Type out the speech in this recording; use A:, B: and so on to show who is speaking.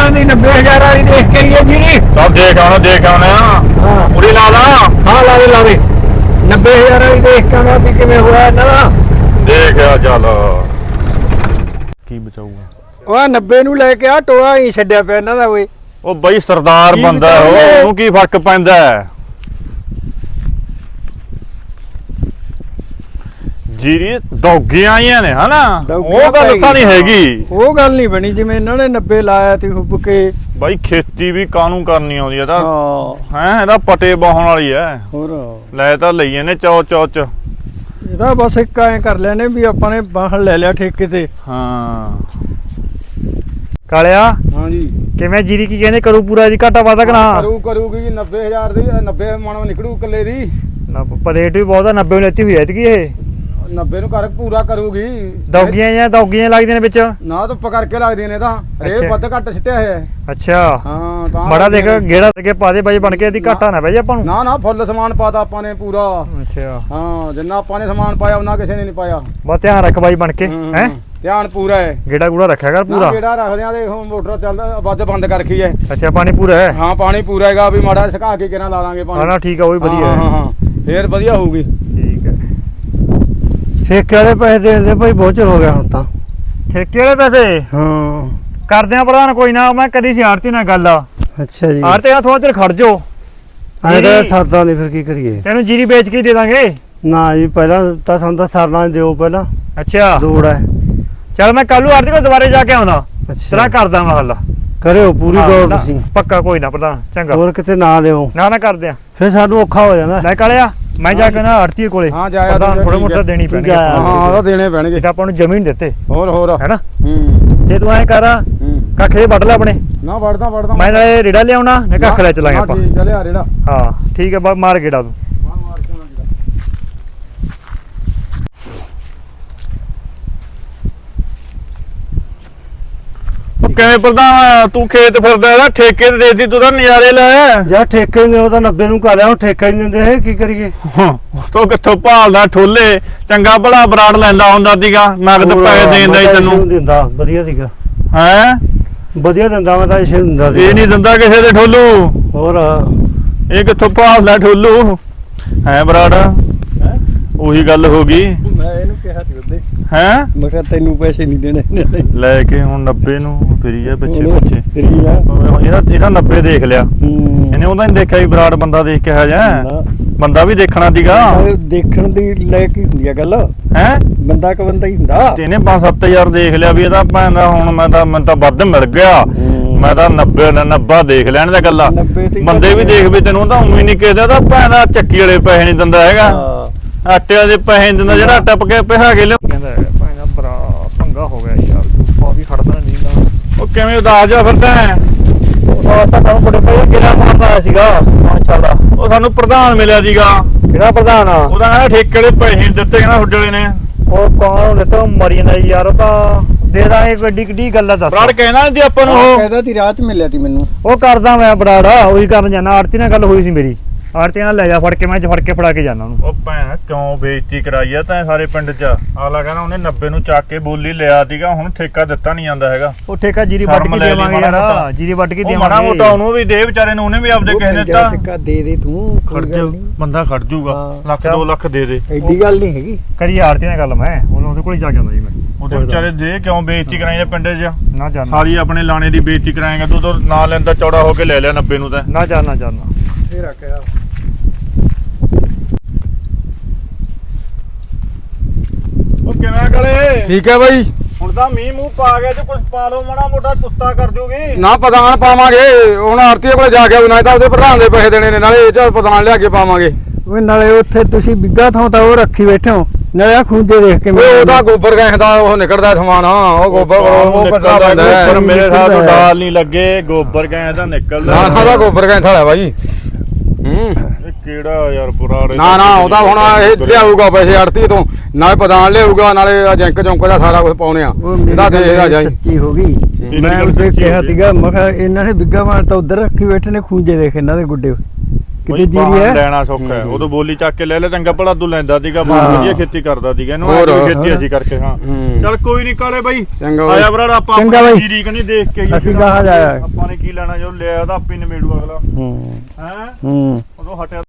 A: ਦੀ 90000 ਵਾਲੀ ਦੇਖ ਕੇ ਆਈਏ ਜੀ।
B: ਸਭ ਦੇਖ ਆਉਣੇ ਆ।
A: ਹਾਂ
B: ਪੂਰੀ ਲਾ ਲਾ।
A: ਹਾਂ ਲਾ ਦੇ 90000 ਵਾਲੀ ਦੇਖ ਕੇ ਆਉਣਾ ਵੀ ਕਿਵੇਂ ਹੋਇਆ ਇਹਨਾਂ ਦਾ।
B: ਦੇਖਿਆ ਚੱਲ ਕੀ ਬਚਾਊਗਾ।
A: ਉਹ 90 ਨੂੰ ਲੈ ਕੇ ਆ ਟੋਆ ਹੀ ਛੱਡਿਆ ਪਿਆ ਇਹਨਾਂ ਦਾ ਓਏ।
B: ਉਹ ਬਈ ਸਰਦਾਰ
A: ਕੀ
B: ਬੰਦਾ
A: ਬਚਾਊਗੇ?
B: ਉਹਨੂੰ ਕੀ ਫਰਕ ਪੈਂਦਾ ਹੈ। ਜੀਰੀ ਦੌਗੀਆਂ ਆਈਆਂ ਨੇ ਹਨਾ, ਉਹ ਗੱਲ ਤਾਂ ਨਹੀਂ ਹੈਗੀ।
A: ਉਹ ਗੱਲ ਨਹੀਂ ਬਣੀ ਜਿਵੇਂ ਇਹਨਾਂ ਨੇ 90 ਲਾਇਆ ਤੇ ਹੁੱਬ ਕੇ।
B: ਬਾਈ ਖੇਤੀ ਵੀ ਕਾਹਨੂੰ ਕਰਨੀ ਆਉਂਦੀ ਆ ਤਾਂ
A: ਹਾਂ
B: ਹੈ, ਇਹਦਾ ਪਟੇ ਬਾਹਣ ਵਾਲੀ ਐ।
A: ਹੋਰ
B: ਲੈ ਤਾਂ ਲਈਏ ਨੇ ਚੌ ਚ।
A: ਇਹਦਾ ਬਸ ਇੱਕ ਐਂ ਕਰ ਲਿਆ ਨੇ ਵੀ ਆਪਾਂ ਨੇ ਬਾਹਣ ਲੈ ਲਿਆ ਠੇਕੇ ਤੇ।
B: ਹਾਂ
C: ਕਾਲਿਆ
A: ਹਾਂ ਜੀ
C: ਕਿਵੇਂ ਜੀਰੀ ਕੀ ਕਹਿੰਦੇ ਕਰੂ ਪੂਰਾ ਇਹਦੀ ਘਾਟਾ ਵਾਧਾ ਕਣਾ
A: ਕਰੂਗੀ 90000 ਦੀ 90 ਮਣ ਨਿਕੜੂ ਕੱਲੇ ਦੀ।
C: ਰੇਟ ਵੀ ਬਹੁਤ ਆ 90 ਨੂੰ ਲੈਤੀ ਹੋਈ ਐ ਐਤਕੀ ਇਹ
A: 90 ਨੂੰ ਕਰ ਪੂਰਾ ਕਰੂਗੀ।
C: ਦੌਗੀਆਂ ਲੱਗਦੀਆਂ ਨੇ ਵਿੱਚ
A: ਨਾ ਧੁੱਪ ਕਰਕੇ ਲੱਗਦੀਆਂ ਨੇ ਤਾਂ ਰੇ ਵੱਧ ਘੱਟ ਸਿੱਟਿਆ ਹੋਇਆ।
C: ਅੱਛਾ
A: ਹਾਂ ਤਾਂ
C: ਬੜਾ ਦੇਖ ਗੇੜਾ ਅੱਗੇ ਪਾ ਦੇ ਬਾਈ ਬਣ ਕੇ ਇਹਦੀ ਘਾਟਾ ਨਾ ਬਹਿ ਜਾ ਆਪਾਂ ਨੂੰ।
A: ਨਾ ਫੁੱਲ ਸਮਾਨ ਪਾਤਾ ਆਪਾਂ ਨੇ ਪੂਰਾ।
C: ਅੱਛਾ
A: ਹਾਂ ਜਿੰਨਾ ਆਪਾਂ ਨੇ ਸਮਾਨ ਪਾਇਆ ਉਹਨਾਂ ਕਿਸੇ ਨੇ ਨਹੀਂ ਪਾਇਆ।
C: ਬਸ ਧਿਆਨ ਰੱਖ ਬਾਈ ਬਣ ਕੇ ਹੈ।
A: ਧਿਆਨ ਪੂਰਾ ਹੈ।
C: ਗੇੜਾ ਗੂੜਾ ਰੱਖਿਆ ਕਰ ਪੂਰਾ।
A: ਗੇੜਾ ਰੱਖਦੇ ਆ। ਦੇਖ ਮੋਟਰ ਚੱਲਦਾ ਵੱਜ ਬੰਦ ਕਰ ਰੱਖੀ ਹੈ।
C: ਅੱਛਾ ਪਾਣੀ ਪੂਰਾ ਹੈ।
A: ਹਾਂ ਪਾਣੀ ਪੂਰਾ ਹੈਗਾ ਵੀ ਮਾੜਾ ਸੁਕਾ ਕੇ ਕਿਹਨਾਂ ਲਾ ਲਾਂਗੇ ਪਾਣੀ।
C: ਹਾਂ ਠੀਕ ਆ ਉਹ ਵੀ ਵਧੀਆ
A: ਹਾਂ ਹਾਂ ਫੇਰ ਵਧੀਆ ਹੋਊਗੀ।
C: ਠੀਕ ਹੈ।
D: ਠੇਕੇ ਵਾਲੇ ਪੈਸੇ ਦੇ ਦਿੰਦੇ ਭਾਈ, ਬਹੁਤ ਚਿਰ ਹੋ ਗਿਆ ਹੁਣ ਤਾਂ।
C: ਠੇਕੇ ਵਾਲੇ ਪੈਸੇ
D: ਹਾਂ
C: ਕਰਦੇ ਆ ਪ੍ਰਧਾਨ ਕੋਈ ਨਾ, ਮੈਂ ਕਦੀ ਸੀ ਆੜਤੀ ਨਾਲ ਗੱਲ ਆ।
D: ਅੱਛਾ ਜੀ
C: ਆੜਤੀ ਨਾਲ ਥੋੜਾ ਚਿਰ ਖੜ ਜਾਓ।
D: ਐਂ ਤਾਂ ਸਰਦਾ ਨਹੀਂ, ਫਿਰ ਕੀ ਕਰੀਏ।
C: ਤੈਨੂੰ ਜੀਰੀ ਵੇਚ ਕੇ ਦੇ ਦਾਂਗੇ।
D: ਨਾ ਜੀ ਪਹਿਲਾਂ ਤਾਂ ਸਾਨੂੰ ਤਾਂ ਸਰਨਾ ਦਿਓ ਪਹਿਲਾਂ,
C: ਅੱਛਾ
D: ਦੂੜ ਹੈ।
C: ਚਲ ਮੈਂ ਕੱਲ ਨੂੰ ਆੜਤੀ ਕੋਲ ਦੁਬਾਰੇ ਜਾ ਕੇ ਆਉਣਾ।
D: ਅੱਛਾ
C: ਤੇਰਾ ਕਰਦਾ ਮੈਂ ਹੱਲ।
D: ਕਰਿਓ ਪੂਰੀ
C: ਹਾਂ,
D: ਗੌਰ
C: ਨਾ,
D: ਤੁਸੀਂ,
C: ਪੱਕਾ ਕੋਈ ਨਾ ਪ੍ਰਧਾਨ ਚੰਗਾ।
D: ਹੋਰ ਕਿਤੇ ਨਾ ਦਿਓ,
C: ਨਾ ਕਰਦੇ ਆ
D: ਫਿਰ ਸਾਨੂੰ ਔਖਾ ਹੋ ਜਾਂਦਾ।
C: ਲੈ ਕਾਲਿਆ ਮੈਂ ਜਾ ਕੇ ਨਾ ਆੜਤੀ ਕੋਲੇ
A: ਹਾਂ ਜਾਇਆ
C: ਪ੍ਰਧਾਨ ਥੋੜਾ ਮੋਟਾ ਦੇਣੀ ਪੈਣੀ
D: ਆ।
A: ਹਾਂ ਉਹ ਦੇਣੇ ਪੈਣਗੇ।
C: ਜਿਹੜਾ ਆਪਾਂ ਨੂੰ ਜ਼ਮੀਨ ਦਿੱਤੇ
A: ਹੋਰ
C: ਹੈਨਾ।
A: ਹੂੰ
C: ਜੇ ਤੂੰ ਐ ਕਰ ਕੱਖ ਜੇ ਵੱਢ ਲੈ ਆਪਣੇ।
A: ਨਾ ਵੜਦਾ
C: ਮੈਂ ਨਾਲੇ ਰੇੜਾ ਲਿਆਉਣਾ ਨਾ ਕੱਖ ਲੈ ਚਲਾਂਗੇ ਆਪਾਂ।
A: ਠੀਕ ਹੈ ਲਿਆ ਰੇੜਾ।
C: ਹਾਂ ਠੀਕ ਹੈ ਮਾਰ ਗੇੜਾ ਤੂੰ।
B: ਉਹ ਕਿਵੇਂ ਪ੍ਰਧਾਨ ਤੂੰ ਖੇਤ ਫਿਰਦਾ ਇਹਦਾ ਠੇਕੇ ਤੇ ਦੇਤੀ ਤੂੰ ਤਾਂ ਨਜ਼ਾਰੇ ਲੈ।
D: ਜਾਂ ਠੇਕੇ ਨੇ ਉਹ ਤਾਂ 90 ਨੂੰ ਕਰ ਲਿਆ, ਹੁਣ ਠੇਕਾ ਹੀ ਨਹੀਂ ਦਿੰਦੇ, ਕੀ ਕਰੀਏ।
B: ਤੂੰ ਕਿੱਥੋਂ ਭਾਲਦਾ ਠੋਲੇ, ਚੰਗਾ ਭਲਾ ਬਰਾੜ ਲੈਂਦਾ ਹੁੰਦਾ ਸੀਗਾ, ਨਗਦ ਪੈਸੇ ਦੇਂਦਾ ਹੀ ਤੈਨੂੰ।
D: ਦਿੰਦਾ ਵਧੀਆ ਸੀਗਾ,
B: ਹੈ
D: ਵਧੀਆ ਦਿੰਦਾ, ਮੈਂ ਤਾਂ ਇਸੇ ਦਿੰਦਾ ਸੀ।
B: ਇਹ ਨਹੀਂ ਦਿੰਦਾ ਕਿਸੇ ਦੇ ਠੋਲੂ।
D: ਹੋਰ
B: ਇਹ ਕਿੱਥੋਂ ਭਾਲਦਾ ਠੋਲੂ ਹੈ ਬਰਾੜ। ਉਹੀ ਗੱਲ ਹੋ ਗਈ।
A: ਮੈਂ ਇਹਨੂੰ ਕਿਹਾ ਸੀ ਉਹਦੇ,
B: ਹੈ
A: ਮੈਂ ਕਿਹਾ ਤੈਨੂੰ ਪੈਸੇ ਨਹੀਂ ਦੇਣੇ
B: ਲੈ ਕੇ ਹੁਣ 90 ਨੂੰ ਫਿਰੀ ਜਾ ਪਿੱਛੇ ਪਿੱਛੇ।
A: ਤੇਰੀ ਆ
B: ਇਹਦਾ 90 ਦੇਖ ਲਿਆ ਇਹਨੇ, ਉਹਦਾ ਨਹੀਂ ਦੇਖਿਆ ਵੀ ਬਰਾੜ ਬੰਦਾ ਦੇਖ ਕੇ ਜਾ ਬੰਦਾ ਵੀ ਦੇਖਣਾ ਸੀਗਾ।
A: ਦੇਖਣ ਦੀ ਲੈ ਕੇ ਹੁੰਦੀ ਆ ਗੱਲ।
B: ਹੈ
A: ਬੰਦਾ ਕ ਬੰਦਾ ਹੀ ਹੁੰਦਾ।
B: ਤੇ ਇਹਨੇ 5-7000 ਦੇਖ ਲਿਆ ਵੀ ਇਹਦਾ ਭੈਣ ਦਾ ਹੁਣ ਮੈਨੂੰ ਤਾਂ ਵੱਧ ਮਿਲ ਗਿਆ। ਮੈਂ ਤਾਂ 90 ਦੇਖ ਲੈਣ ਦਾ ਗੱਲਾਂ। ਬੰਦੇ ਵੀ ਦੇਖ ਵੀ ਤੈਨੂੰ ਤਾਂ ਉਮੀ ਨਹੀਂ ਕਿਹਦਾ ਤਾਂ ਭੈਣ ਦਾ ਚੱਕੀ ਵਾਲੇ ਪੈਸੇ ਨਹੀਂ ਦਿੰਦਾ ਹੈਗਾ, ਆਟੇ ਵਾਲੇ ਪੈਸੇ ਨਹੀਂ ਦਿੰਦਾ ਜਿਹੜਾ ਆਟਾ ਪਕੇ ਪਿਹਾ ਕੇ ਲਿਆ।
C: ਕਹਿੰਦਾ ਭਾਈ ਦਾ ਬੜਾ ਪੰਗਾ ਹੋ ਗਿਆ ਯਾਰ, ਉਹ ਵੀ ਖੜਦਾ ਨਹੀਂ ਨਾ।
B: ਉਹ ਕਿਵੇਂ ਉਦਾਸ ਜਾ ਫਿਰਦਾ ਹੈ।
C: ਉਹ ਤਾਂ ਕੰਮ ਬੜੇ ਭਾਈ ਕਿਹੜਾ ਮਾਰਦਾ ਆਇਆ ਸੀਗਾ ਮਾਸ਼ਾਅੱਲਾ।
B: ਉਹ ਸਾਨੂੰ ਪ੍ਰਧਾਨ ਮਿਲਿਆ ਸੀਗਾ,
C: ਕਿਹੜਾ ਪ੍ਰਧਾਨ ਆ?
B: ਉਹਦਾ ਕਹਿੰਦਾ ਠੇਕੇ ਵਾਲੇ ਪੈਸੇ ਨਹੀਂ ਦਿੱਤੇ, ਕਹਿੰਦਾ ਹੁੱਡੇ ਵਾਲੇ ਨੇ।
C: ਉਹ ਕੌਣ ਨੇ ਤਾਂ ਮਰੀ ਜਾਂਦਾ ਯਾਰ, ਉਹ ਤਾਂ ਦੇ ਦਾਂਗੇ ਗੱਡੀ ਕਿੱਡੀ ਗੱਲ ਆ ਦੱਸ।
B: ਬਰਾੜ ਕਹਿਣਾ ਨਹੀਂ ਸੀ ਆਪਾਂ ਨੂੰ ਉਹ।
A: ਕਹਿੰਦਾ ਤੀ ਰਾਤ ਮਿਲਿਆ ਤੀ ਮੈਨੂੰ।
C: ਉਹ ਕਰਦਾ ਮੈਂ ਬਰਾੜਾ ਉਹੀ ਕਰਨ ਜਾਣਾ। ਆੜਤੀ ਨਾਲ ਗੱਲ ਹੋਈ ਸੀ ਮੇਰੀ, ਆੜਤੀ ਨਾਲ ਲੈ ਜਾ ਫੜ ਕੇ, ਮੈਂ ਫੜ ਕੇ ਫੜਾ ਕੇ ਜਾਣਾ ਉਹਨੂੰ।
B: ਉਹ ਭੈਣ ਕਿਉਂ ਬੇਇੱਜ਼ਤੀ ਕਰਾਈ ਆ ਤੈਂ ਸਾਰੇ ਪਿੰਡ 'ਚ। ਅਗਲਾ ਕਹਿੰਦਾ ਉਹਨੇ 90 ਨੂੰ ਚੱਕ ਕੇ ਬੋਲੀ ਲਿਆ ਸੀਗਾ, ਹੁਣ ਠੇਕਾ ਦਿੱਤਾ ਨਹੀਂ ਜਾਂਦਾ ਹੈਗਾ।
C: ਉਹ ਠੇਕਾ ਜੀਰੀ ਵੱਢ ਕੇ ਦੇਵਾਂਗੇ ਯਾਰ, ਜੀਰੀ ਵੱਢ ਕੇ
B: ਉਹ
C: ਦੇਵਾਂਗੇ।
B: ਮਾੜਾ ਮੋਟਾ ਉਹਨੂੰ ਵੀ ਦੇ ਵਿਚਾਰੇ ਨੂੰ, ਉਹਨੇ ਵੀ ਆਪਦੇ ਕਿਸੇ ਨੇ ਦਿੱਤਾ।
A: ਸਿੱਕਾ ਦੇ ਦੇ ਤੂੰ,
B: ਖੜ ਜਾ ਬੰਦਾ ਖੜ ਜੂਗਾ, ਲੱਖ 2 ਲੱਖ ਦੇ ਦੇ।
A: ਐਡੀ ਗੱਲ ਨਹੀਂ ਹੈਗੀ।
C: ਕਰੀ ਆੜਤੀ ਨਾਲ ਗੱਲ, ਮੈਂ ਉਹਦੇ ਕੋਲ ਹੀ ਜਾ ਕੇ ਆਉਂਦਾ ਜੀ ਮੈਂ।
B: ਉਹਦੇ ਵਿਚਾਰੇ ਦੇ ਕਿਉਂ ਬੇਇੱਜ਼ਤੀ ਕਰਾਈ ਪਿੰਡ 'ਚ।
C: ਨਾ ਜਾਣਾ,
B: ਸਾਰੀ ਆਪਣੇ ਲਾਣੇ ਦੀ ਬੇਇੱਜ਼ਤੀ ਕਰਾਏਗਾ ਤੂੰ ਤਾਂ। ਨਾ ਲੈਂਦਾ ਚੌੜਾ ਹੋ ਕੇ ਲੈ ਲਿਆ 90 ਨੂੰ ਤਾਂ।
C: ਨਾ ਜਾਣਾ
A: ਫੇਰ ਆਖਿਆ
B: ਉਹ ਕਿਵੇਂ ਗਲੇ
A: ਠੀਕ ਹੈ ਬਾਈ।
B: ਹੁਣ ਤਾਂ ਮੀਂਹ ਮੂੰਹ ਪਾ ਗਿਆ ਤੇ ਕੁਝ ਪਾ ਲਓ ਮਾੜਾ ਮੋਟਾ, ਕੁੱਤਾ ਕਰ ਜੂਗੀ।
A: ਨਾ ਪ੍ਰਧਾਨ ਪਾਵਾਂਗੇ ਹੁਣ, ਆਰਤੀ ਕੋਲੇ ਜਾ ਕੇ ਨਾ ਤਾਂ ਉਹਦੇ ਪ੍ਰਧਾਨ ਦੇ ਪੈਸੇ ਦੇਣੇ ਨੇ, ਨਾਲੇ ਇਹ ਚ ਪ੍ਰਧਾਨ ਲਿਆ ਕੇ ਪਾਵਾਂਗੇ।
D: ਓਏ ਨਾਲੇ ਉੱਥੇ ਤੁਸੀਂ ਬਿੱਗਾ ਥਾਂ ਤਾਂ ਉਹ ਰੱਖੀ ਬੈਠੇ ਹੋ, ਨਾਲੇ ਆ ਖੂੰਜੇ ਦੇਖ ਕੇ
A: ਉਹਦਾ ਗੋਬਰ ਗੈਸ ਦਾ ਉਹ ਨਿਕਲਦਾ ਸਮਾਨ, ਉਹ ਗੋਬਰ ਉਹ ਕੱਢਣਾ ਪੈਂਦਾ
B: ਪਰ
A: ਹੈ।
B: ਮੇਰੇ ਸਾਹ ਤੋਂ ਡਾਲ ਨਹੀਂ ਲੱਗੇ, ਗੋਬਰ ਗੈਸ ਦਾ ਨਿਕਲਦਾ।
A: ਨਾ ਨਾ ਉਹਦਾ ਗੋਬਰ ਗੈਸ ਵਾਲਾ ਬਾਈ।
B: ਇਹ ਕਿਹੜਾ ਯਾਰ ਪੁਰਾਣੇ।
A: ਨਾ ਨਾ ਉਹਦਾ ਹੁਣ ਇਹ ਲਿਆਊਗਾ ਪੈਸੇ ਆੜਤੀ ਤੋਂ, ਨਾਲੇ ਪ੍ਰਧਾਨ ਲਿਆਊਗਾ, ਨਾਲੇ ਜੈਂਕ ਚੌਂਕ ਦਾ ਸਾਰਾ ਕੁਝ ਪਾਉਣੇ ਆ। ਇਹਦਾ ਦੇਖਦਾ ਜਾਈ
D: ਸੱਚੀ ਹੋ ਗਈ। ਮੈਂ ਉਹਦੇ ਕਿਹਾ ਸੀਗਾ, ਮੈਂ ਕਿਹਾ ਇਹਨਾਂ ਨੇ ਬਿੱਗਾ ਮਾਰ ਤਾਂ ਉਧਰ ਰੱਖੀ ਬੈਠੇ ਨੇ, ਖੂੰਜੇ ਦੇਖ ਇਹਨਾਂ ਦੇ ਗੁੱਡੇ। ਕਿਤੇ ਜੀਰੀ ਹੈ
B: ਲੈਣਾ ਸੌਖਾ ਹੈ ਉਦੋਂ ਬੋਲੀ ਚੱਕ ਕੇ ਲੈ ਲੈ ਚੰਗਾ ਭਲਾ ਤੂੰ ਲੈਂਦਾ ਸੀਗਾ
D: ਹਾਂ।
B: ਵਧੀਆ ਖੇਤੀ ਕਰਦਾ ਸੀਗਾ ਇਹਨੂੰ
A: ਹੋਰ।
B: ਖੇਤੀ ਅਸੀਂ ਕਰਕੇ ਹਾਂ
A: ਹੂੰ।
B: ਚੱਲ ਕੋਈ ਨਹੀਂ ਕਾਲੇ ਬਾਈ
A: ਚੰਗਾ ਬਾਈ।
B: ਆਇਆ ਭਰਾ ਆਪਾਂ
D: ਚੰਗਾ ਬਾਈ।
B: ਜੀਰੀ ਕਨੀ ਦੇਖ ਕੇ ਆਈਏ
D: ਅਸੀਂ
B: ਫਿਰ
D: ਗਾਹਾਂ ਜਾਇਆ।
B: ਆਪਾਂ ਨੇ ਕੀ ਲੈਣਾ ਜੋ ਲਿਆ ਉਹਦਾ ਆਪੇ ਨਿਬੇੜੂ ਅਗਲਾ
D: ਹੂੰ
B: ਹੈ
D: ਹੂੰ
B: ਉਦੋਂ ਹਟਿਆ